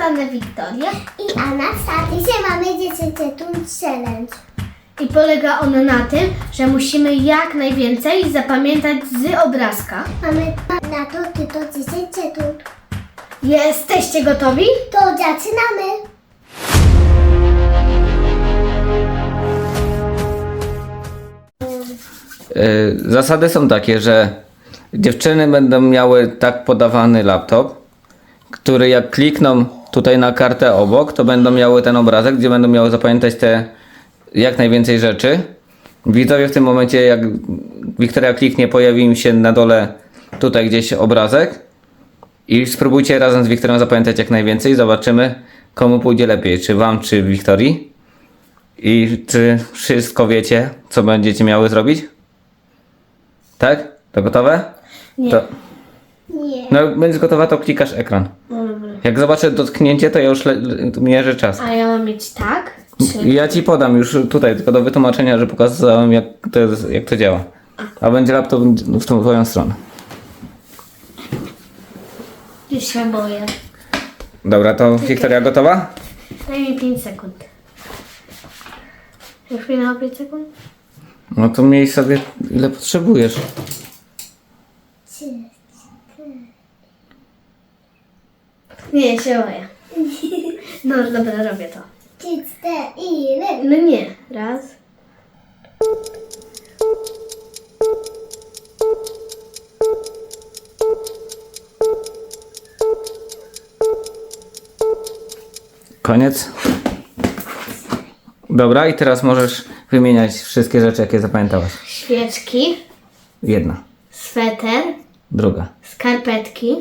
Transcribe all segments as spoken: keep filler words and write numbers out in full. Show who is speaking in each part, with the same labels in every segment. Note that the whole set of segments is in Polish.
Speaker 1: zostanę Wiktorię.
Speaker 2: I Anastazja. Dzisiaj mamy dziesięciu challenge.
Speaker 1: I polega on na tym, że musimy jak najwięcej zapamiętać z obrazka.
Speaker 2: Mamy na to tylko dziesięć sekund.
Speaker 1: Jesteście gotowi?
Speaker 2: To zaczynamy.
Speaker 3: Zasady są takie, że dziewczyny będą miały tak podawany laptop, który jak klikną tutaj na kartę obok, to będą miały ten obrazek, gdzie będą miały zapamiętać te jak najwięcej rzeczy. Widzowie w tym momencie, jak Wiktoria kliknie, pojawi im się na dole tutaj gdzieś obrazek i spróbujcie razem z Wiktorią zapamiętać jak najwięcej. Zobaczymy, komu pójdzie lepiej, czy wam, czy Wiktorii. I czy wszystko wiecie, co będziecie miały zrobić? Tak? To gotowe?
Speaker 1: Nie.
Speaker 3: To,
Speaker 2: Nie.
Speaker 3: no jak będziesz gotowa, to klikasz ekran. Jak zobaczę dotknięcie, to ja już le, le, mierzę czas.
Speaker 1: A ja mam mieć tak? Czy...
Speaker 3: I ja ci podam już tutaj, tylko do wytłumaczenia, że pokazałem jak to, jest, jak to działa. A będzie laptop w tą twoją stronę.
Speaker 1: Już się boję.
Speaker 3: Dobra, to Wiktoria gotowa?
Speaker 1: Daj mi pięć sekund. Już minęło pięć sekund?
Speaker 3: No to miej sobie ile potrzebujesz.
Speaker 2: Trzy.
Speaker 1: Nie, się boję. No dobra, robię to.
Speaker 2: Trzy, cztery.
Speaker 1: No nie. Raz.
Speaker 3: Koniec. Dobra, i teraz możesz wymieniać wszystkie rzeczy, jakie zapamiętałaś.
Speaker 1: Świeczki.
Speaker 3: Jedna,
Speaker 1: Sweter.
Speaker 3: druga,
Speaker 1: Skarpetki.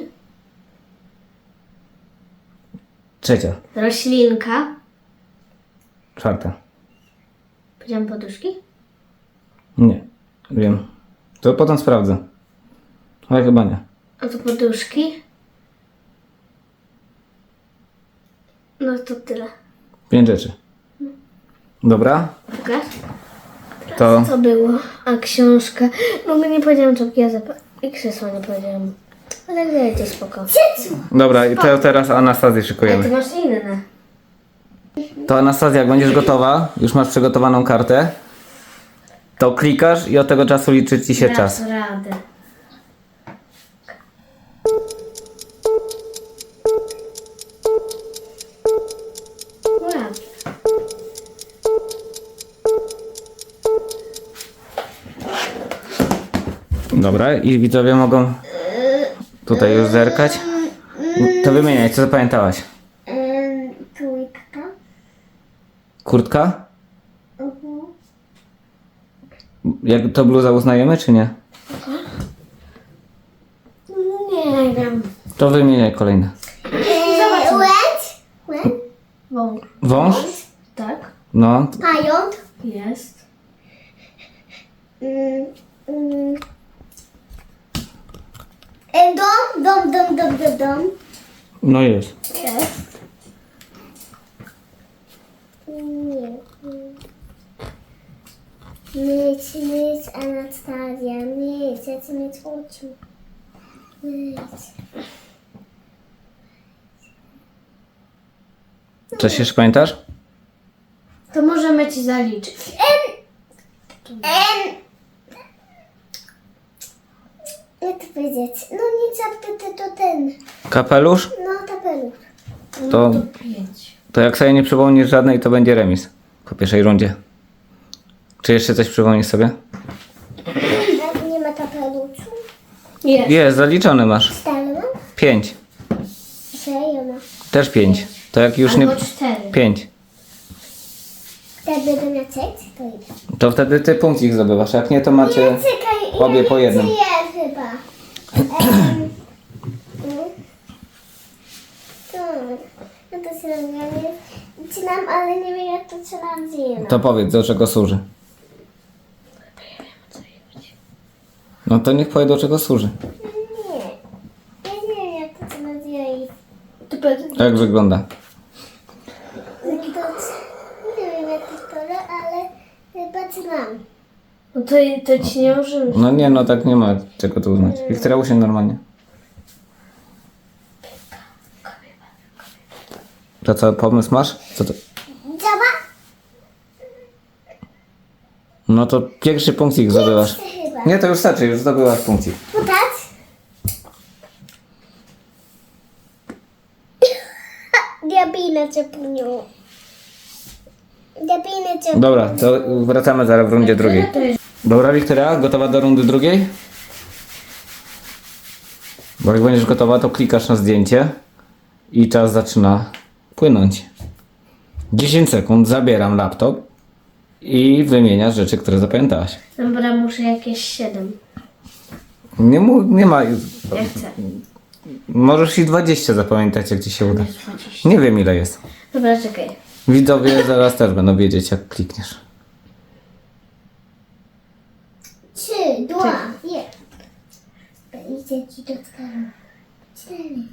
Speaker 3: trzecia,
Speaker 1: Roślinka.
Speaker 3: czwarta.
Speaker 1: Powiedziałam poduszki?
Speaker 3: Nie, wiem. To potem sprawdzę. Ale chyba nie.
Speaker 1: A to poduszki. No to tyle.
Speaker 3: Pięć rzeczy. Dobra,
Speaker 1: Pokaż.
Speaker 3: to
Speaker 1: Co było? A książka. No my nie powiedziałam czapki, ja zap... I krzesła nie powiedziałam. Ale dajcie spoko.
Speaker 3: dobra, i te, teraz Anastazję
Speaker 1: Ale ty
Speaker 3: szykujemy.
Speaker 1: masz inne.
Speaker 3: To Anastazja, jak będziesz gotowa, już masz przygotowaną kartę, to klikasz i od tego czasu liczy ci się
Speaker 1: Dasz
Speaker 3: czas.
Speaker 1: radę. Ładnie.
Speaker 3: Dobra, i widzowie mogą tutaj już zerkać. To wymieniaj, co zapamiętałaś?
Speaker 2: Ym, Trójka.
Speaker 3: Kurtka?
Speaker 2: Mhm.
Speaker 3: Jak to bluza uznajemy, czy nie?
Speaker 1: Nie wiem.
Speaker 3: To wymieniaj kolejne.
Speaker 2: Eee, Łędź. Łędź.
Speaker 1: Wąż.
Speaker 3: Wąż?
Speaker 1: Tak.
Speaker 3: No,
Speaker 2: Pająk.
Speaker 1: Jest.
Speaker 2: Mm, mm. E, Dom, dom, dom, dom, dom, dom.
Speaker 3: no jest.
Speaker 1: Jest.
Speaker 2: Nie. Myć, myć, Anastazja, myć, ja chcę mieć oczu. Myć.
Speaker 3: Coś jeszcze pamiętasz?
Speaker 1: To możemy ci zaliczyć.
Speaker 2: Em. Jak to powiedzieć? No nie czapkę, to ten.
Speaker 3: Kapelusz?
Speaker 2: No, tapelusz.
Speaker 3: To,
Speaker 1: No to pięć.
Speaker 3: to jak sobie nie przypomnisz żadnej, to będzie remis po pierwszej rundzie. Czy jeszcze coś przypomnisz sobie?
Speaker 2: A nie ma tapeluszu?
Speaker 1: Jest.
Speaker 3: Jest, zaliczony masz.
Speaker 2: Stale mam?
Speaker 3: Pięć.
Speaker 2: Serio ma.
Speaker 3: Też pięć. To jak już nie...
Speaker 1: Albo cztery.
Speaker 3: Pięć.
Speaker 2: Jak będę miał seks, to idę.
Speaker 3: To wtedy ty punkcik zdobywasz. Jak nie, to macie
Speaker 2: Czekaj,
Speaker 3: obie po jednym.
Speaker 2: Ja chyba. Em, mm. Hmm. No to się nazywa, nie wcinam, ale nie wiem jak to się nazywa.
Speaker 3: To powiedz, do czego służy. No to niech powie, do czego służy.
Speaker 2: Nie. Ja nie wiem jak to się nazywa i
Speaker 1: To powiedz-
Speaker 3: Jak wygląda?
Speaker 2: to, nie wiem jak to jest, ale chyba znam.
Speaker 1: No to, to ci nie możemy.
Speaker 3: No nie, no tak nie ma czego tu uznać. Wiktoria, usiądź normalnie. To co, pomysł masz? Co to?
Speaker 2: Działa?
Speaker 3: No to pierwszy punkcik zdobywasz.
Speaker 2: Chyba.
Speaker 3: Nie, to już starczy, już zdobyłaś punkcik.
Speaker 2: Podać? Diabinę cię punią. Diabinę cię
Speaker 3: Dobra, to wracamy zaraz w rundzie drugiej. Dobra, Wiktoria, gotowa do rundy drugiej? Bo jak będziesz gotowa, to klikasz na zdjęcie i czas zaczyna płynąć. dziesięć sekund, zabieram laptop i wymieniasz rzeczy, które zapamiętałaś.
Speaker 1: Dobra, muszę jakieś siedem.
Speaker 3: Nie, mu, nie ma...
Speaker 1: Ja chcę.
Speaker 3: Możesz i dwadzieścia zapamiętać, jak ci się uda.
Speaker 1: Jest dwadzieścia.
Speaker 3: Nie wiem, ile jest.
Speaker 1: Dobra, czekaj.
Speaker 3: Widzowie zaraz też będą wiedzieć, jak klikniesz.
Speaker 2: Trzy, dwa, jeden. Idzie ci do stanu. Cztery.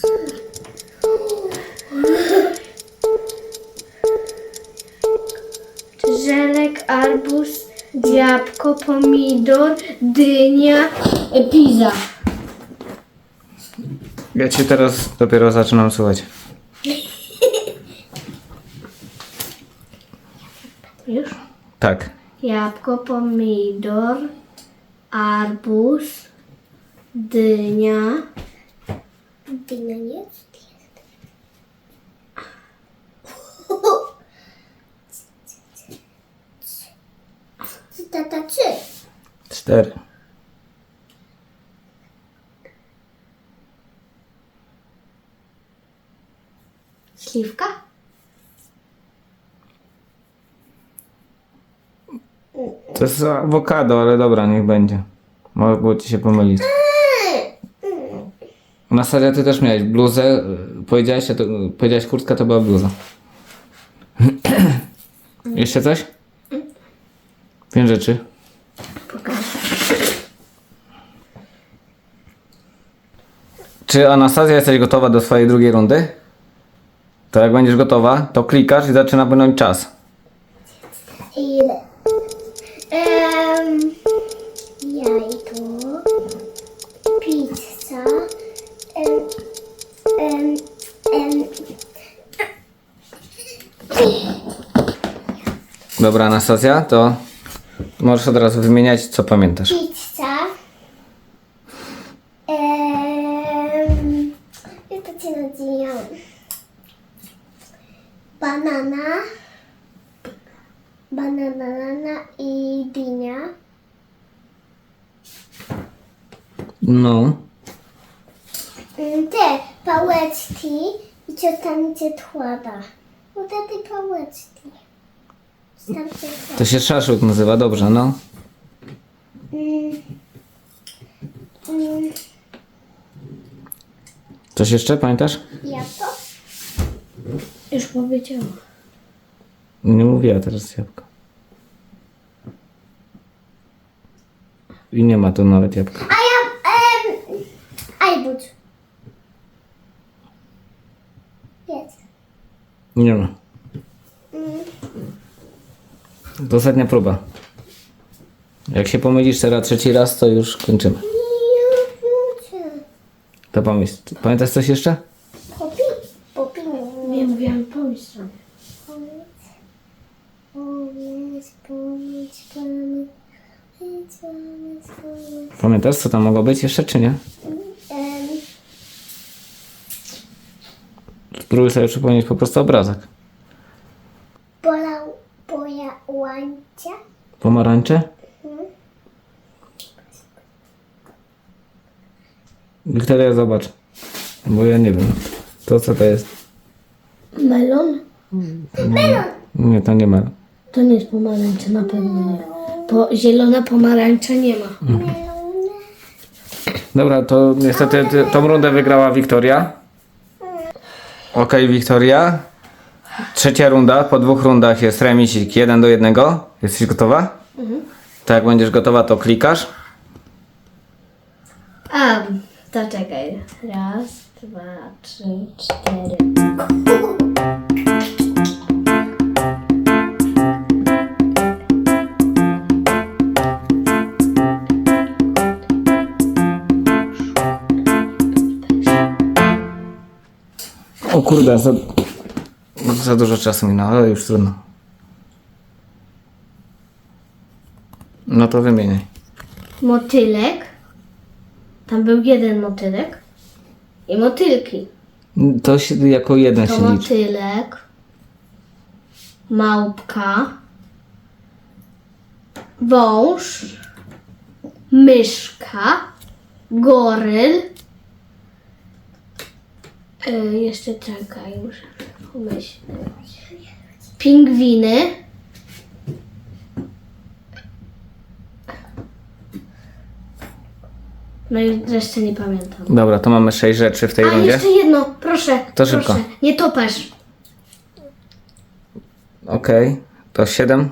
Speaker 1: Żelek, arbuz, jabłko, pomidor, dynia, e, pizza.
Speaker 3: Ja cię teraz dopiero zaczynam słuchać.
Speaker 1: Już?
Speaker 3: Tak.
Speaker 1: Jabłko, pomidor, arbuz, dynia,
Speaker 2: Dynia nie jest? Trzy, tata, trzy.
Speaker 3: Cztery.
Speaker 1: śliwka,
Speaker 3: To jest awokado, ale dobra, niech będzie. Mogło ci się pomylić. Na serio ty też miałeś bluzę. Powiedziałeś, to, powiedziałeś kurtka, to była bluza. Jeszcze coś? Pięć rzeczy. Czy Anastazja jesteś gotowa do swojej drugiej rundy? To jak będziesz gotowa, to klikasz i zaczyna płynąć czas.
Speaker 2: Ile? Um, jajko, pizza, um, um, um,
Speaker 3: Dobra, Anastazja, to możesz od razu wymieniać, co pamiętasz.
Speaker 2: pizza, um, jak to się nazywa? Banana, banana, banana i dynia.
Speaker 3: No.
Speaker 2: Mm, Te pałeczki i ciotanicie tłada. No te te pałeczki. Starcie
Speaker 3: To się szaszłyk nazywa, dobrze, no.
Speaker 2: mm, mm,
Speaker 3: Coś jeszcze pamiętasz?
Speaker 2: Jabłko?
Speaker 1: już powiedziałam.
Speaker 3: Nie mówiła teraz jabłka. I nie ma tu nawet jabłka.
Speaker 2: A ja... Em, ajbuć. Jest.
Speaker 3: Nie ma.
Speaker 2: Mm,
Speaker 3: To ostatnia próba. Jak się pomylisz teraz trzeci raz, to już kończymy.
Speaker 2: nie wiem.
Speaker 3: To pomyśl. Pamiętasz coś jeszcze?
Speaker 2: Popi? Popi.
Speaker 1: Nie mówiłam, pomyśl sobie.
Speaker 2: Powiedz. Powiedz, powiedz, powiedz. Powiedz, powiedz, powiedz.
Speaker 3: Pamiętasz, co tam mogło być jeszcze, czy nie?
Speaker 2: Em,
Speaker 3: Spróbuj sobie przypomnieć po prostu obrazek.
Speaker 2: Pola, poja, łańcia.
Speaker 3: Pomarańcze? Wiktoria, zobacz. Bo ja nie wiem. To co to jest?
Speaker 1: Melon?
Speaker 3: Nie, to nie ma.
Speaker 1: To nie jest pomarańcza, na pewno nie. Bo zielona pomarańcza nie ma.
Speaker 3: Dobra, to niestety ty, tą rundę wygrała Wiktoria. Okej, Wiktoria. Trzecia runda. Po dwóch rundach jest remisik jeden do jednego. Jesteś gotowa? Mhm. To jak będziesz gotowa, to klikasz.
Speaker 1: A, to czekaj. Raz, dwa, trzy, cztery.
Speaker 3: O kurde, za... za dużo czasu minęło, ale już trudno. No to wymieniaj.
Speaker 1: Motylek. Tam był jeden motylek. I motylki.
Speaker 3: To się jako jeden
Speaker 1: To
Speaker 3: się liczy.
Speaker 1: motylek. Małpka. Wąż. Myszka. Goryl. E, jeszcze czekaj, muszę pomyśleć. Pingwiny. No i resztę nie pamiętam.
Speaker 3: Dobra, to mamy sześć rzeczy w tej
Speaker 1: A
Speaker 3: rundzie.
Speaker 1: jeszcze jedno, proszę.
Speaker 3: To
Speaker 1: proszę.
Speaker 3: szybko.
Speaker 1: Nie topesz.
Speaker 3: Okej, to siedem.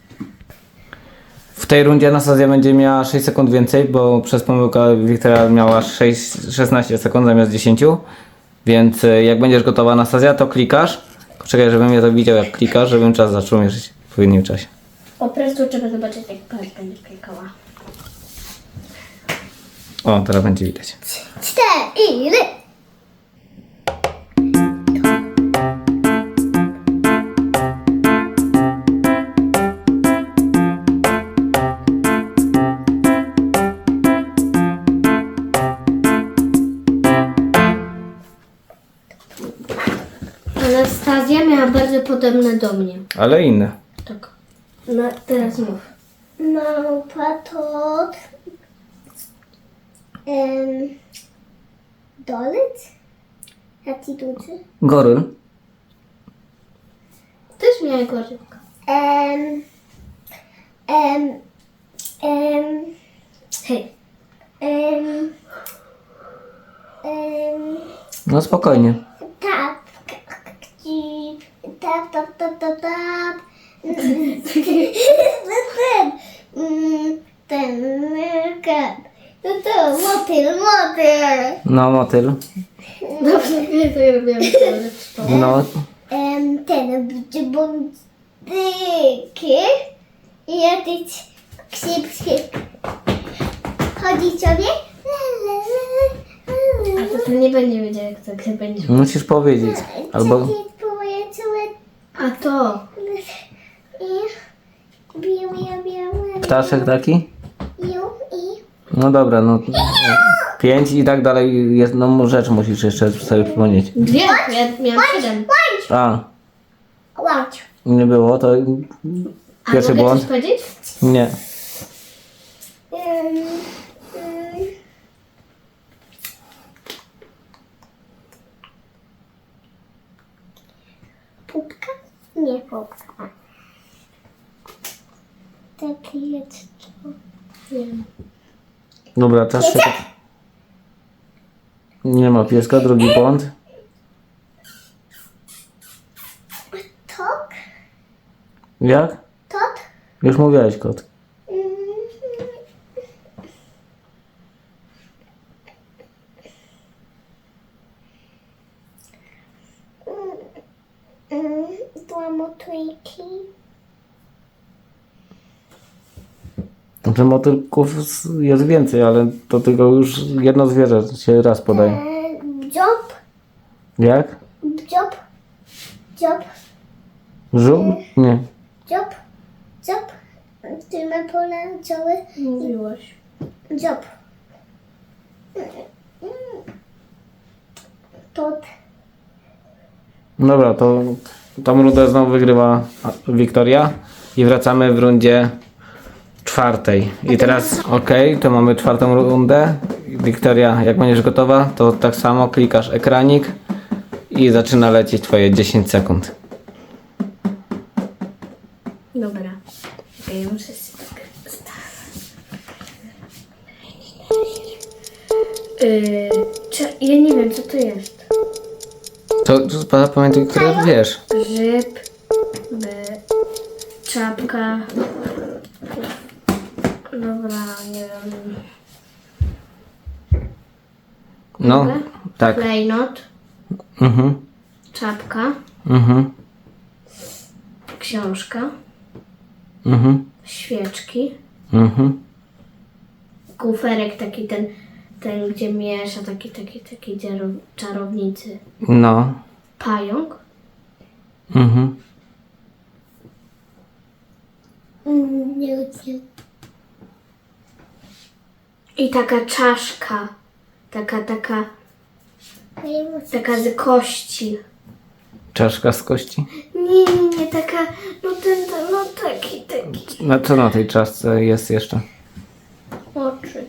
Speaker 3: W tej rundzie Anastazja będzie miała sześć sekund więcej, bo przez pomyłkę Wiktoria miała sześć, szesnaście sekund zamiast dziesięć. Więc y, jak będziesz gotowa, Anastazja, to klikasz. Czekaj, żebym ja to widział, jak klikasz, żebym czas zaczął mierzyć w odpowiednim czasie.
Speaker 1: Po prostu trzeba zobaczyć, jak pani będzie klikała.
Speaker 3: O, teraz będzie widać.
Speaker 2: Cztery.
Speaker 1: Anastazja miała bardzo podobne do mnie.
Speaker 3: Ale inne.
Speaker 1: Tak. No, teraz mów.
Speaker 2: Małpa, tot. Um, dolec? Jaki duży?
Speaker 3: Goryl.
Speaker 1: Też miała gorylka.
Speaker 2: Um, um, um,
Speaker 1: Hej.
Speaker 2: um, um,
Speaker 3: No spokojnie.
Speaker 2: tap, kcip, tap, tap, tap, tap, tap. Ten, mm, ten, ten, to to, motyl, motyl.
Speaker 3: No, motyl.
Speaker 1: Dobrze, nie to ja robiłam cały
Speaker 3: No,
Speaker 2: Em, ten, bicie bądyki. I jakiś ksip, ksip. Chodzi sobie. La, la, la, la, la.
Speaker 1: A to ty nie będzie wiedział, jak to gry będzie.
Speaker 3: musisz powiedzieć. Albo...
Speaker 2: Czekaj, próbuję całe...
Speaker 1: A to.
Speaker 2: I... Biu, biu, biu.
Speaker 3: Ptaszek taki?
Speaker 2: Biu i...
Speaker 3: No dobra, no. Pięć i tak dalej. Jedną rzecz musisz jeszcze sobie przypomnieć.
Speaker 1: Dwie. Ja miałam siedem.
Speaker 3: A,
Speaker 2: Łącz.
Speaker 3: nie było, to
Speaker 1: A
Speaker 3: pierwszy
Speaker 1: mogę
Speaker 3: błąd.
Speaker 1: coś powiedzieć?
Speaker 3: Nie.
Speaker 2: Em, em. Pupka? Nie pupka. Taki jest to. Nie wiem.
Speaker 3: Dobra, czas się... Nie ma pieska, drugi błąd.
Speaker 2: Tok?
Speaker 3: Jak?
Speaker 2: Tot?
Speaker 3: Już mówiłeś, kot.
Speaker 2: Mm. Mm, Dwa motylki.
Speaker 3: Znaczy motylków jest więcej, ale to tylko już jedno zwierzę się raz podaje.
Speaker 2: E, Bdziop.
Speaker 3: Jak?
Speaker 2: Bdziop. Dziop.
Speaker 3: Żółw? Nie.
Speaker 2: Dziop. Dziop. Ty ma pole całe.
Speaker 1: Mówiłaś.
Speaker 2: Dziop. Tot.
Speaker 3: Dobra, to tą rundę znowu wygrywa Wiktoria i wracamy w rundzie czwartej. I teraz, ok, to mamy czwartą rundę. Wiktoria, jak będziesz gotowa, to tak samo klikasz ekranik i zaczyna lecieć twoje dziesięć sekund.
Speaker 1: Dobra. Okej, ja muszę się tak Yy, cze- ja nie wiem, co to jest.
Speaker 3: To to pamiętaj, które wiesz.
Speaker 1: Grzyb, by, czapka. Dobra, nie wiem.
Speaker 3: No,
Speaker 1: Mogę?
Speaker 3: tak.
Speaker 1: Klejnot,
Speaker 3: Mhm,
Speaker 1: czapka,
Speaker 3: mhm,
Speaker 1: książka,
Speaker 3: mhm,
Speaker 1: świeczki,
Speaker 3: mhm.
Speaker 1: kuferek taki ten, ten gdzie miesza, taki, taki, taki dziaro- czarownicy.
Speaker 3: No,
Speaker 1: Pająk,
Speaker 3: Mhm.
Speaker 2: Mm, nie wiem.
Speaker 1: I taka czaszka. Taka, taka,
Speaker 2: Nie wiem.
Speaker 1: taka z kości.
Speaker 3: Czaszka z kości?
Speaker 1: Nie, nie, nie, taka, no ten, ten no taki, taki.
Speaker 3: No co na tej czaszce jest jeszcze?
Speaker 1: Oczy.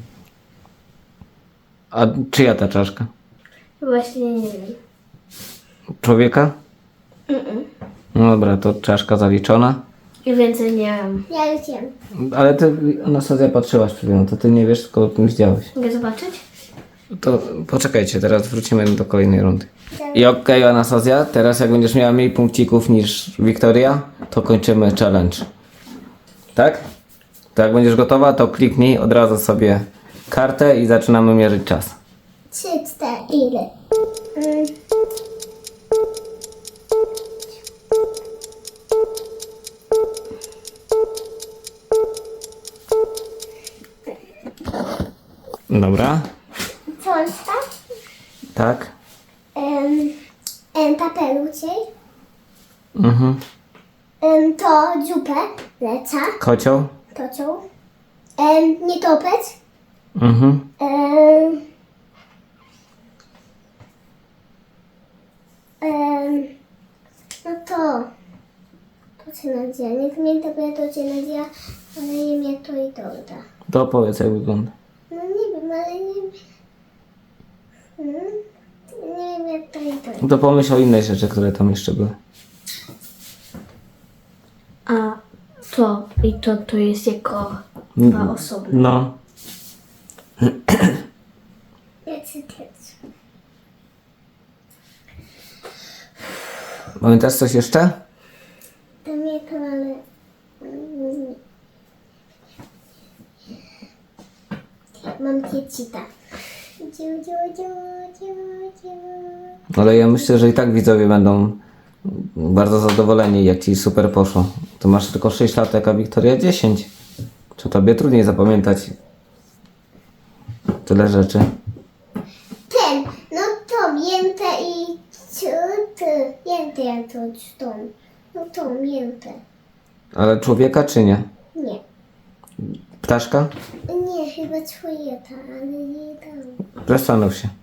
Speaker 3: A czyja ta czaszka?
Speaker 1: Właśnie nie wiem.
Speaker 3: Człowieka? No dobra, to czaszka zaliczona.
Speaker 1: I więcej nie wiem.
Speaker 2: Ja już wiem.
Speaker 3: Ale ty, Anastazja, patrzyłaś przed chwilą, to ty nie wiesz, tylko o tym widziałeś.
Speaker 1: Mogę zobaczyć?
Speaker 3: To poczekajcie, teraz wrócimy do kolejnej rundy. I okej, Anastazja, teraz jak będziesz miała mniej punkcików niż Wiktoria, to kończymy challenge. Tak? To jak będziesz gotowa, to kliknij od razu sobie kartę i zaczynamy mierzyć czas.
Speaker 2: Trzy, cztery, ile? Mm.
Speaker 3: Dobra.
Speaker 2: Cząstka.
Speaker 3: Tak.
Speaker 2: Um, um, papeluciej.
Speaker 3: Mhm.
Speaker 2: Um, to dziupę. Leca.
Speaker 3: Kocioł.
Speaker 2: Tocią. Um, nietoperz.
Speaker 3: Mhm.
Speaker 2: Um, um, no to. To się nazywa. Nie pamiętam jak to się nazywa, ale nie wiem jak to i to da.
Speaker 3: To powiedz, jak wygląda.
Speaker 2: No nie wiem, ale nie wiem. Hmm? Nie wiem jak to i to.
Speaker 3: To pomyśl o innej rzeczy, które tam jeszcze były.
Speaker 1: A to i to, to jest jako dwa osoby.
Speaker 3: No.
Speaker 2: Ja chcę też.
Speaker 3: Pamiętasz coś jeszcze?
Speaker 2: Pamiętam, ale... mm, Mam kiecita. Dziu, dziu, dziu, dziu, dziu.
Speaker 3: Ale ja myślę, że i tak widzowie będą bardzo zadowoleni, jak ci super poszło. To masz tylko sześć lat, a Wiktoria dziesięć. Czy tobie trudniej zapamiętać tyle rzeczy?
Speaker 2: Ten, no to mięte i ciuty. Mięte ja to tą. No to mięte.
Speaker 3: Ale człowieka czy nie?
Speaker 2: Nie.
Speaker 3: Ptaszka?
Speaker 2: Nie, chyba twoje ta, ale nie tam.
Speaker 3: Zastanów się.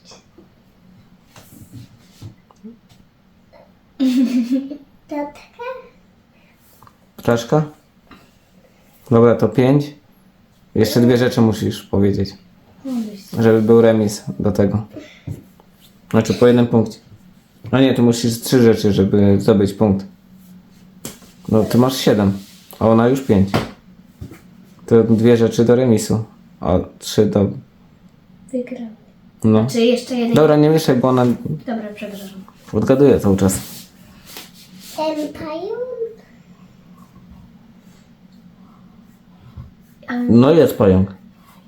Speaker 2: Tatka?
Speaker 3: Ptaszka? Dobra, to pięć. Jeszcze dwie rzeczy musisz powiedzieć. Żeby był remis do tego. Znaczy po jednym punkcie. No nie, tu musisz trzy rzeczy, żeby zdobyć punkt. No ty masz siedem, a ona już pięć. To dwie rzeczy do remisu, a trzy do...
Speaker 1: Wygrał.
Speaker 3: No.
Speaker 1: Czy jeszcze jeden?
Speaker 3: Dobra, nie mieszaj, bo ona
Speaker 1: Dobra, przepraszam.
Speaker 3: odgaduje cały czas.
Speaker 2: Empire?
Speaker 3: No jest pająk.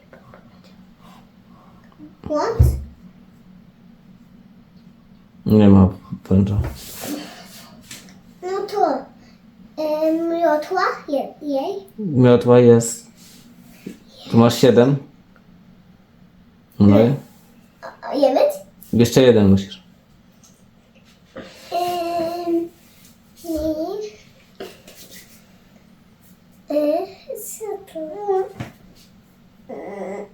Speaker 2: What?
Speaker 3: Nie ma pęcza.
Speaker 2: No to e, miotła je, jej.
Speaker 3: Miotła jest... Tu masz siedem. No i
Speaker 2: A jemy?
Speaker 3: jeszcze jeden musisz.
Speaker 2: Ym, i... Y, co to? Y,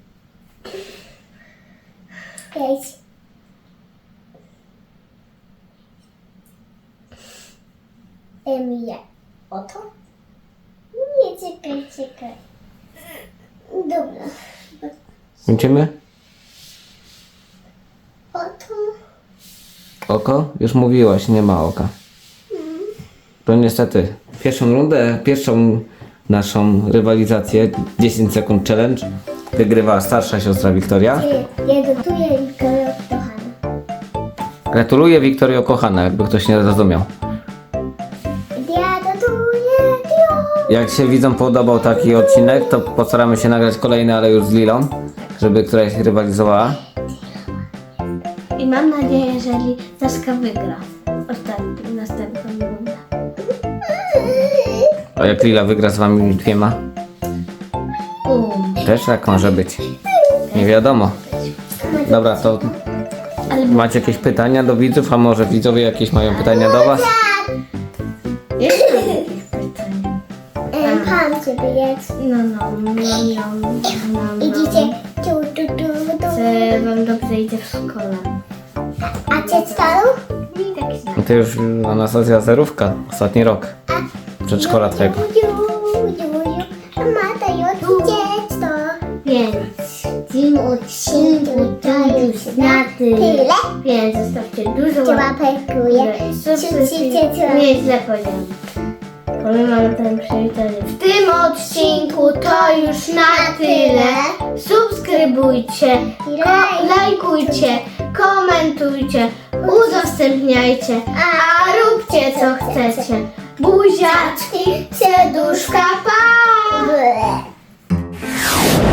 Speaker 2: Pięć. Ym, ja. Oto? Nie, czekaj, czekaj. Dobra.
Speaker 3: Kończymy?
Speaker 2: Oto.
Speaker 3: Oko? Już mówiłaś, nie ma oka. To niestety pierwszą rundę, pierwszą naszą rywalizację dziesięć sekund challenge wygrywa starsza siostra Wiktoria.
Speaker 2: Ja gotuję Wiktoria kochana.
Speaker 3: Gratuluję Wiktorio kochana, jakby ktoś nie zrozumiał.
Speaker 2: Ja gotuję Dio.
Speaker 3: Jak się widzom podobał taki odcinek, to postaramy się nagrać kolejny, ale już z Lilą, żeby któraś rywalizowała.
Speaker 1: I mam nadzieję, że Laska wygra ostatnią, następną rundę.
Speaker 3: A jak Lila wygra z wami dwiema?
Speaker 1: Um.
Speaker 3: Też tak może być. Nie wiadomo. Dobra, to
Speaker 1: Ale
Speaker 3: macie jakieś pytania do widzów, a może widzowie jakieś mają pytania do was?
Speaker 1: Jeszcze mam jakieś pytanie.
Speaker 2: E, Pan ciebie jest.
Speaker 1: No, no, no, no, no, no.
Speaker 2: Idziecie tu, tu, tu, tu.
Speaker 1: Czy wam dobrze idzie w szkole?
Speaker 2: A cię staru?
Speaker 1: Mi tak źle.
Speaker 3: No to już Anastazja zerówka, ostatni rok przedszkola twojego.
Speaker 2: A mata już dziecko.
Speaker 1: Więc w tym odcinku to już na tyle.
Speaker 2: Tyle?
Speaker 1: Więc zostawcie dużo
Speaker 2: Cię
Speaker 1: łapek.
Speaker 2: łapekuję.
Speaker 1: Nie, źle powiedziałam. Bo my mamy ten przywitanie. W tym odcinku to już na tyle. Subskrybujcie, ko- lajkujcie, komentujcie, udostępniajcie, a róbcie co chcecie. Buziaczki, serduszka, pa!
Speaker 2: Ble.